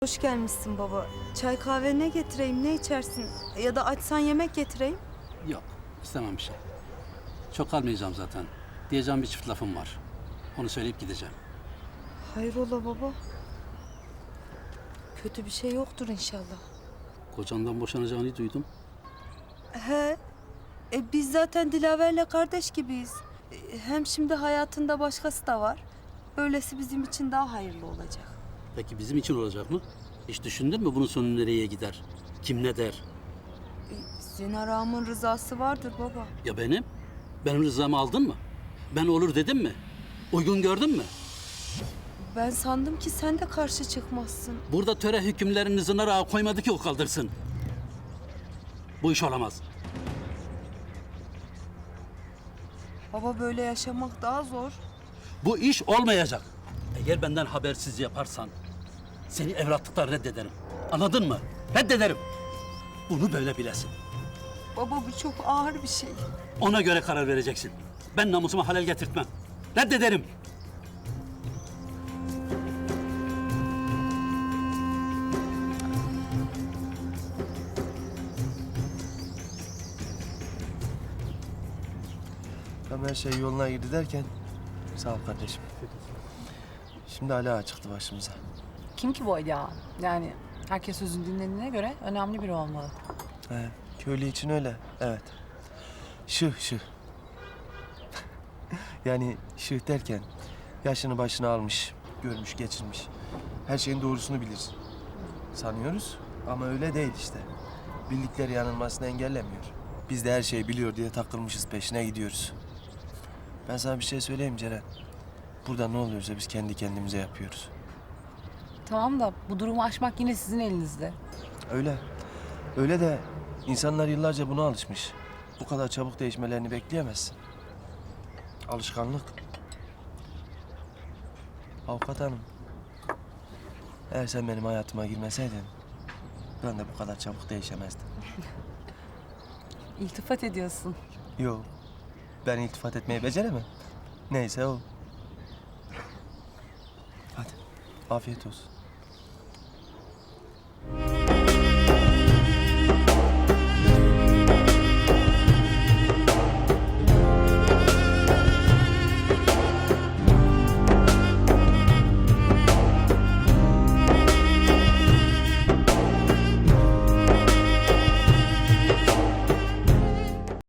Hoş gelmişsin baba. Çay kahve ne getireyim, ne içersin? Ya da açsan yemek getireyim. Yok, istemem bir şey. Çok kalmayacağım zaten. Diyeceğim bir çift lafım var. Onu söyleyip gideceğim. Hayrola baba? Kötü bir şey yoktur inşallah. Kocandan boşanacağını duydum. He, biz zaten Dilaver'le kardeş gibiyiz. Hem şimdi hayatında başkası da var. Böylesi bizim için daha hayırlı olacak. Peki bizim için olacak mı? Hiç düşündün mü bunun sonu nereye gider? Kim ne der? Zinar ağamın rızası vardır baba. Ya benim? Benim rızamı aldın mı? Ben olur dedim mi? Uygun gördün mü? Ben sandım ki sen de karşı çıkmazsın. Burada töre hükümlerini Zınar Ağa koymadı ki o kaldırsın. Bu iş olamaz. Baba böyle yaşamak daha zor. Bu iş olmayacak. Eğer benden habersiz yaparsan seni evlatlıktan reddederim. Anladın mı? Reddederim. Bunu böyle bilesin. Baba bu çok ağır bir şey. Ona göre karar vereceksin. Ben namusuma halel getirtmem. Reddederim. Tam her şey yoluna girdi derken sağ ol kardeşim. Şimdi Ali Ağa çıktı başımıza. Kim ki bu Ali Ağa? Yani herkes sözünü dinlediğine göre önemli biri olmalı. He, köylü için öyle, evet. Şıh. Yani şıh derken yaşını başına almış, görmüş, geçirmiş. Her şeyin doğrusunu bilir. Sanıyoruz ama öyle değil işte. Bildikleri yanılmasını engellemiyor. Biz de her şeyi biliyor diye takılmışız, peşine gidiyoruz. Ben sana bir şey söyleyeyim Ceren. Burada ne oluyorsa biz kendi kendimize yapıyoruz. Tamam da bu durumu aşmak yine sizin elinizde. Öyle. Öyle de insanlar yıllarca buna alışmış. Bu kadar çabuk değişmelerini bekleyemezsin. Alışkanlık. Avukat hanım. Eğer sen benim hayatıma girmeseydin ben de bu kadar çabuk değişemezdim. İltifat ediyorsun. Yok. Ben iltifat etmeyi beceremem. Neyse o. Hadi. Afiyet olsun.